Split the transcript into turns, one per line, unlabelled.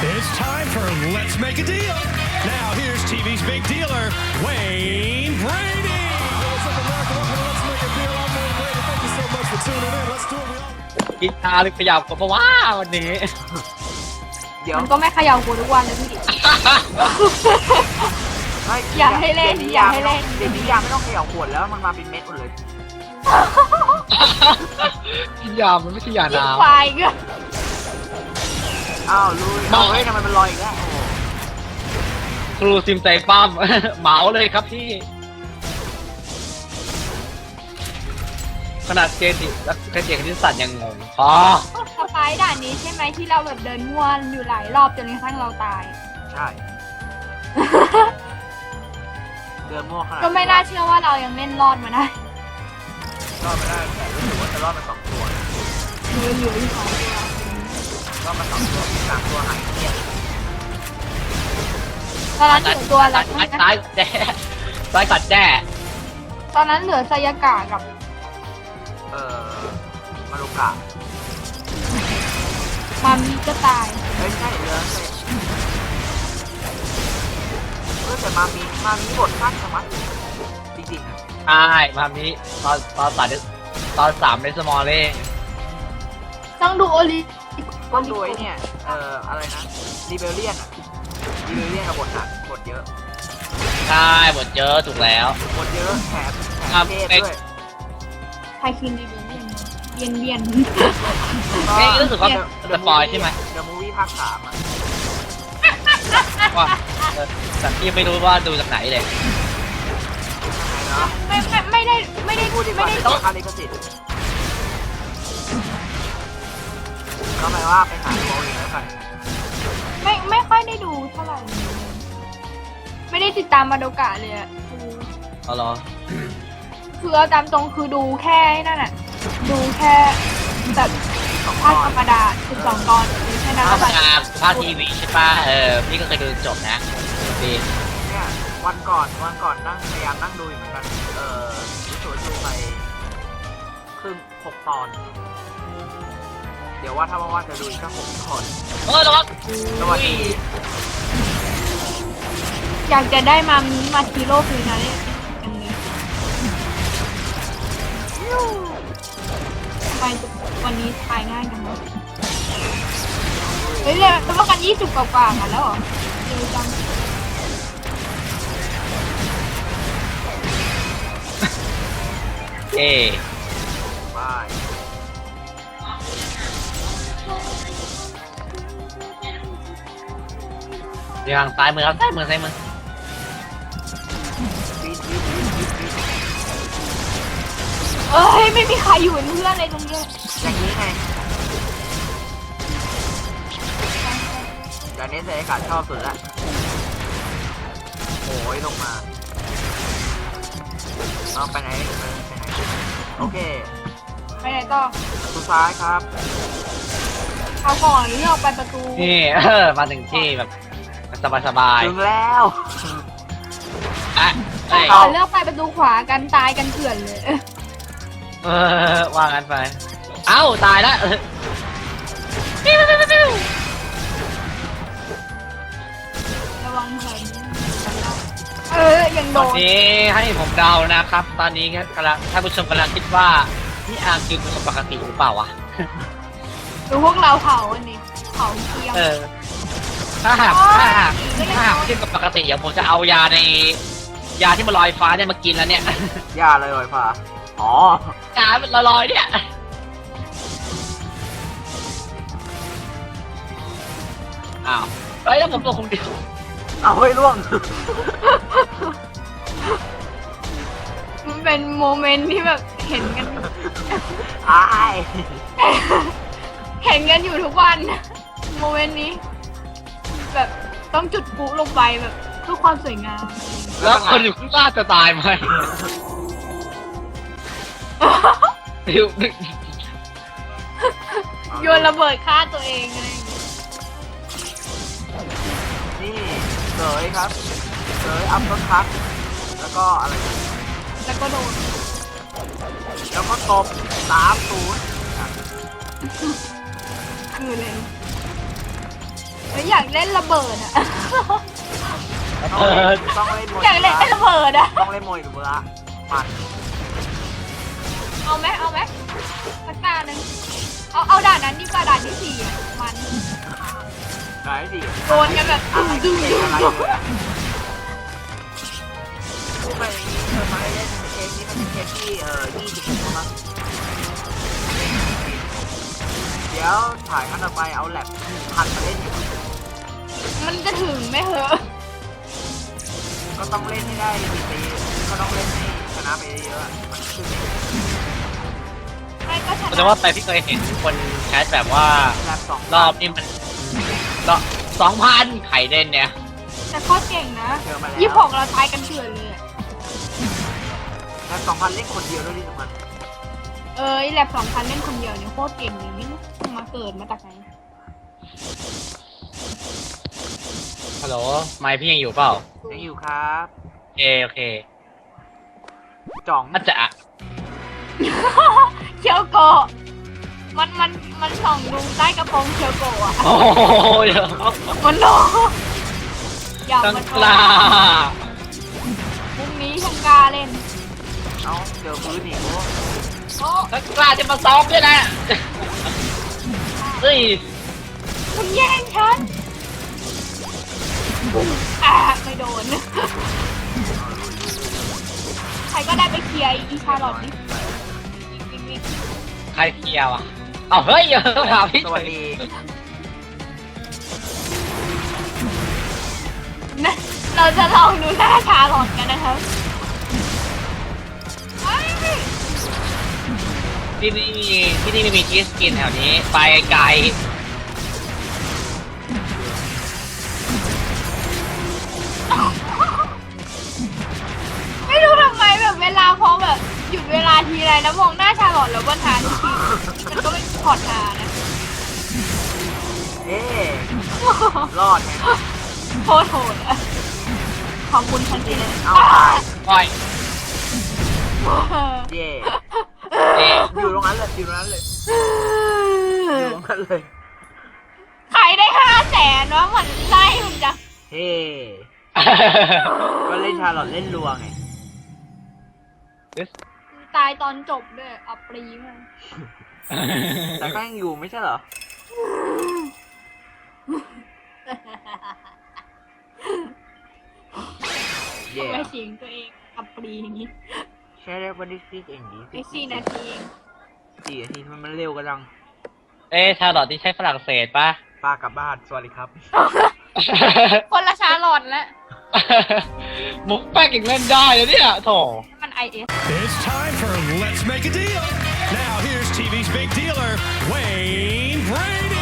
It's time for Let's Make a Deal. Now here's TV's big dealer, Wayne Brady.
What's up, America? Welcome to Let's Make a Deal. I'm Wayne Brady. Thank you so much for tuning in. Let's do it. We all
กินชาหรือขยับกับเพราะว่าวันนี้
เดี๋ยว
มันก็ไม่เขย่ากูทุกวันเลยพี่
ไม่
อย่าให้เล่นอย่าให้เล่น
เดี๋ยวนี้ยาไม่ต้องเขย่าขวดแล้วมันมาเป็นเม็ดหมดเลย
กินยามันไม่ใช่ยา
ยิง
น้
ควายก็
อ้าวลุยเอาเฮ้ยทำไมมันลอยอีกแล้วโอ้
ำครูซิมใจปั้ม เหมาเลยครับพี่ ขนาดเจติและเจคณิตศาสตร์ยังงงอ๋อ
สไปร์ด่านนี้ใช่ไหมที่เราแบบเดินง่วนอยู่หลายรอบจนกระทั่งเราตาย
ใช่เดินมั่วขนาด
ก็ไม่น่าเชื่อว่าเรายังเล่นรอดมาได้
รอดไม่ได้แต่รู้สึกว่าจะรอดมา2 ตัว
เหลืออยู่2 ตัว
รอดมา2 ตัว3 ตัวหายเงียบ
ตอนนั้นเหลือตัวอะไร
ซ้ายแจ้ซ้ายกัดแจ้
ตอนนั้นเหลือไซยากะกับ
มารุกะ
มามิก็ตาย
เฮ้ยใช่เรือแต่มามีบทสั้นสมัติจริงๆนะ
ใช่มามีตอน3ในสมอลเล่
ต้องดูโอลิ
ต้องดูไอ้เนี่ยอะไรนะรีเบลเลียนอะรีเบลเลียนกับบทหนักบทเยอะ
ใช่หมดเยอะถูกแล้ว
บทเยอะแถมเทศด้วย
ไทคินดีเบียนเบียน
เอ้ยรู้สึกว่าสปอยใช่ไหม
เดอะมูฟวี่ภาค 3อะ
ว่าแต่พี่ไม่รู้ว่าดูจากไหนเลย
ไหนเนาะ
ไม่ได้
พูดดีกว่าจะต้องคาลิกสิทธิ์ก็หมายว่าไปหาโมเองแล้วกัน
ไม่ค่อยได้ดูเท่าไหร่ไม่ได้ติดตามมาโดกะเลยอะ
เอาเหรอ
คือเอาตามตรงคือดูแค่นั่นน่ะดูแค่แบบภาคธรรมดา12 ตอนแค่นั้น
ภา
แหละ
ภาคทีวีใช่ป่ะพี่ก็เคยดูจบนะดี
เนี่ยวันก่อนนั่งพยายามนั่งดูอยู่เหมือนกันรู้สึกว่าดูไปครึ่ง6 ตอน เดี๋ยวว่าถ้าว่างๆจะดูอีกสัก6 ตอน
ระวัง
สวัสดี
อยากจะได้มามิมาทีโร่คือนะเนี่ยอันนี้ทำไมวันนี้ทายง่ายจังวะเฮ้ยเนี่ยแต่ว่ากัน20 กว่าๆกันแล้วเหรอเร็วจัง
เอ
บาย
เดี๋ยวทางซ้ายมือครับซ้ายมือ
ปีด
เอ้ยไม่มีใครอยู่เป็นเพื่อนเลยตรงเนี้ย
อย่างนี้ไงอย่างนี้เสกขาดชอบสุดละโอ้ยลงมาเอาไปไหนโอเค
ไปไหนต่อ
ประตูซ้ายครับ
เอาก่อนเลือกไปประตู
นี่มาถึงที่แบบสบาย
ถึงแล้ว
ๆอ่ะเอ้ย
ก่อนเลือกไปประตูขวากันตายกันเถื่อนเลย
ว่างั้นไปเอ้าตายแล้ว
ระวังเถินยังโด
ตอน
น
นี้ให้ผมเดานะครับ ตอนนี้กำลังท่านผู้ชมกำลังคิดว่านี่อาร์มกินเป็นคนปกติหรือเปล่าวะ
ดูพวกเราเผาอันนี้เผาเคียง
ถ้าหากกินกับปกติอย่างผมจะเอายาที่มันลอยฟ้าเนี่ยมากินแล้วเนี่ย
ย่าเลยลอยฟ้าอ๋อย
ามันลอยๆเนี่ยอ้าวเฮ้ยแล้วผมตัวคนเดียว
เอาให้ล่วง
มันเป็นโมเมนต์ที่แบบเห็นกัน
อาย
เห็นกันอยู่ทุกวันโมเมนต์นี้ แบบต้องจุดพลุลงไปแบบเพื่อความสวยงาม
แล้วคนอยู่ข้างล่างจะตายไหมดิว
โยนระเบิดฆ่าตัวเองอะไรอย่างเงี้ย
นี่เสยครับเสยอัพต้นพักแล้วก็อะไรนะ
แล้วก็โดน
แล้วก็ตบ30
คือเลยอยากเล่นระเบิดอะ
ต้องเล่นโม
อยากเล่นระเบิดอะ
ต้องเล่นโมอิบุระมัน
เอาไหมสักตาหนึ่งเอาด่านนั้นดีกว่าด่านที่4อะมัน
ไหนสิ
โดนกันแบบ
อะไร
ดุ้
เก่
ง
งอะไร
ดุ้ง
เลยอะพูดไปอย่างนี้เธอมาเล่นเกมนี้มันเป็นเกมที่20มั้งเดี๋ยวถ่ายครั้งต่อไปเอาแลบ1,000มาเล่นอยู่
มันจะถึงไหมเหอะ
ก็ต้องเล่นให้ได้ปีก็ต้องเล่นให้ชนะไปเยอะๆมันขึ้น
ไม่ก็ช
แต่
นะ
ว่าไปพี่เคยเห็นคนแคสแบบว่า
แลบ2
รอบนี้มัน2,000ไข่เล่นเนี่ย
แต่โคตรเก่งนะ
เจอมาแล้ว
26เราตายกันเถื่อนเลยอะ
แลบ2,000เล่นคนเดียวด้วยที่สำคัญ
แลบ2,000เล่นคนเดียวเนี่ยโคตรเก่งเลยนี่มาเกิดมาจากไหน
ฮัลโหลไมค์พี่ยังอยู่เปล่า
ยังอยู่ครับ
โอเค
จ่อง
อาจจะ
เคียวโกะมันส่องดูใต้กระโปรงเคียวโกะอะ
โอ้ย
มันโลอย่า
ตั้ง
มัน
กล้า
พรุ่งนี้ช่างกล้าเล่น
เอ้าเจอพื้นอีกโอ้
โอ้
ตั้งกล้าจะมาซ้อมด้วยนะเฮ้ย
คุณแย่งฉันไม่โดน ใครก็ได้ไปเคลียร์อีชาลอตดิวิ่ง
ใครเคลียร์วะเอาเฮ้ยถามพี่
สวัสดี
นะเราจะลองดูหน้าชาลอตกันนะครับเฮ้ย
ที่นี่ไม่มีชีสกินแถวนี้ ไปไกล
ไม่รู้ทำไมแบบเวลาพอแบบหยุดเวลาทีไรแล้วมองหน้าชาลอตแล้วก็ทานทุกทีมันก็ไม่พอทานนะ
เอ๊ะรอดไง
โคตรโหดอะขอบคุณทันทีเลย
เอาตาย
ปล่อย
เย่
เอ๊ะ
อยู่ตรงนั้นเลยอยู่ตรงนั้นเลยอยู่ตรงนั้นเลย
ใครได้500,000วะมันไล่มันจะ
เฮ้ก็เล่นชาลอตเล่นรัวไง
ตายตอนจบด้วยอับปรีมาก
แต่ก็ยังอยู่ไม่ใช่เหรอ เย่
ทำไมเสียงตัวเองอับปรีอย่างนี้
ใช่แล้ววันที่ซีเองดี
ไอ้4 นาทีเอง
4 นาทีมันเร็วกันจัง
ชาลอตที่ใช้ฝรั่งเศสปะ
ป้ากลับบ้านสวัสดีครับ
คนละชาลอตแล้ว
มุกแป๊กอีกเล่นได้เลยเนี่ยโถ
มัน IS
It's time for Let's Make a Deal. Now here's TV's big dealer, Wayne Brady.